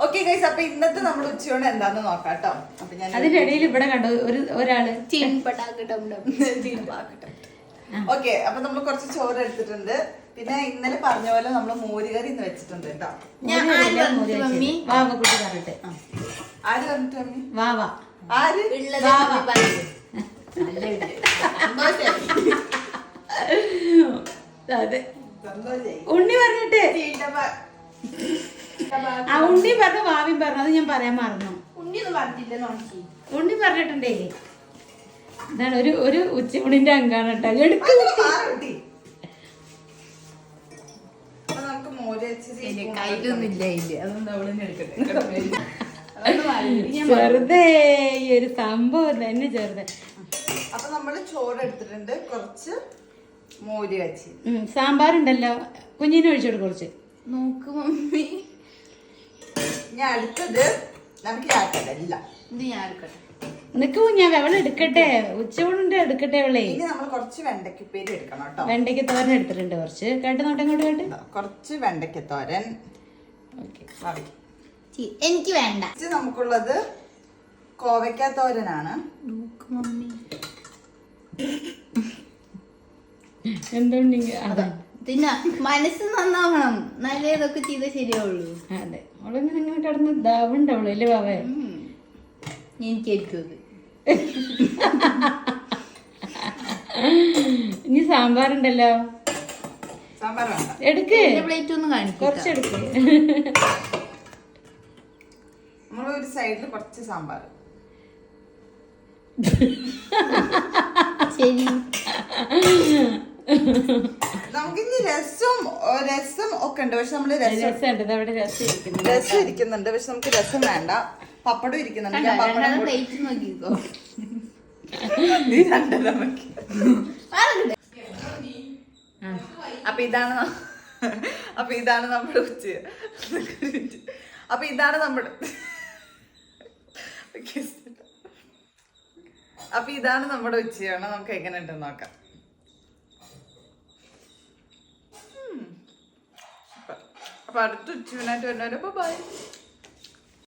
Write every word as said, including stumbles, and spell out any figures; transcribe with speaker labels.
Speaker 1: Okay guys, അപ്പൊ ഇന്നത്തെ നമ്മുടെ ഉച്ചയോടെ എന്താന്ന് നോക്കാം കേട്ടോ. അപ്പൊ ഞാൻ
Speaker 2: അതിന്റെ ഇടയിൽ ഇവിടെ കണ്ടു ഒരു ഒരാള്
Speaker 1: ഓക്കെ. അപ്പൊ നമ്മൾ കുറച്ച് ചോറ് എടുത്തിട്ടുണ്ട്. പിന്നെ ഇന്നലെ പറഞ്ഞ പോലെ നമ്മള് മോരുകറി ഇന്ന് വെച്ചിട്ടുണ്ട് കേട്ടോ.
Speaker 2: വാവ കുട്ടി പറഞ്ഞിട്ട്
Speaker 1: ആര് പറഞ്ഞിട്ട് മമ്മി?
Speaker 2: വാവ
Speaker 1: ആര്?
Speaker 2: അതെ ഉണ്ണി പറഞ്ഞിട്ട് ആ ഉണ്ണി പറഞ്ഞു വാവി പറഞ്ഞു. അത് ഞാൻ പറയാൻ മറന്നു. ഉണ്ണി പറഞ്ഞിട്ടുണ്ടേ. ഇതാണ് ഒരു ഒരു ഉച്ചയൂണിന്റെ അങ്കാണ് കേട്ടോ. എടുക്ക് ചെറുതേ ഈ ഒരു സംഭവം തന്നെ ചെറുതെ.
Speaker 1: അപ്പൊ നമ്മള് ചോറ് എടുത്തിട്ടുണ്ട്, കുറച്ച് മോര് കാച്ചി.
Speaker 2: സാമ്പാർ ഉണ്ടല്ലോ, കുഞ്ഞിനെ ഒഴിച്ചോട് കുറച്ച്.
Speaker 3: നോക്ക് മമ്മി,
Speaker 1: ഞാൻ അടുത്തത് നമുക്ക് ആക്കല്ല.
Speaker 3: ഇത് ഞാൻ എടുക്കട്ടെ.
Speaker 2: നിക്ക് ഞാൻ വെള്ളം എടുക്കട്ടെ, ഉച്ചയൂണിന്റെ എടുക്കട്ടെ വെള്ളേ.
Speaker 1: ഇനി നമ്മൾ കുറച്ച് വെണ്ടയ്ക്കുപ്പേരി എടുക്കണം കേട്ടോ.
Speaker 2: വെണ്ടയ്ക്ക് തോരൻ എടുത്തിട്ടുണ്ട് കുറച്ച്. കേട്ട് നോട്ടെ ഇങ്ങോട്ട് കേട്ട്.
Speaker 1: കുറച്ച് വെണ്ടയ്ക്ക് തോരൻ.
Speaker 3: എനിക്ക് വേണ്ട.
Speaker 1: നമുക്കുള്ളത് കോവയ്ക്ക തോരനാണ്.
Speaker 3: നോക്ക് മമ്മി,
Speaker 2: എന്തുണ്ടെങ്കിൽ അതെ
Speaker 3: പിന്നെ മനസ്സ് നന്നാവണം. നല്ല ഇതൊക്കെ ചെയ്താൽ ശരിയാവുള്ളൂ.
Speaker 2: അതെ, അവളിങ്ങനെ ഇങ്ങനെ കിടന്ന് ഇതാവുണ്ടാവുള്ളൂ അല്ലേ ബാവേ?
Speaker 3: എനിക്കായിരിക്കും അത്.
Speaker 2: ഇനി സാമ്പാർ ഉണ്ടല്ലോ,
Speaker 1: സാമ്പാർ വേണ്ട.
Speaker 2: എടുക്ക്,
Speaker 3: പ്ലേറ്റ് ഒന്ന് കാണിക്കും.
Speaker 2: കുറച്ചെടുക്ക്.
Speaker 1: നമ്മളൊരു സൈഡിൽ കുറച്ച് സാമ്പാർ.
Speaker 3: ശരി,
Speaker 1: നമുക്കിനി രസം രസം ഒക്കെ ഉണ്ട്. പക്ഷെ നമ്മള് രസം രസം ഇരിക്കുന്നുണ്ട്, പക്ഷെ നമുക്ക് രസം വേണ്ട. പപ്പടം ഇരിക്കുന്നുണ്ട്.
Speaker 3: പ്ലേറ്റ് നോക്കിക്കോ.
Speaker 1: അപ്പൊ ഇതാണ് അപ്പൊ ഇതാണ് നമ്മുടെ ഉച്ച. അപ്പൊ ഇതാണ് നമ്മുടെ അപ്പൊ ഇതാണ് നമ്മുടെ ഉച്ചയാണ്. നമുക്ക് എങ്ങനെ ഉണ്ടെന്ന് നോക്കാം. അപ്പൊ അടുത്ത ഉച്ചയൂണായിട്ട് വരുന്നവരെ ബൈ.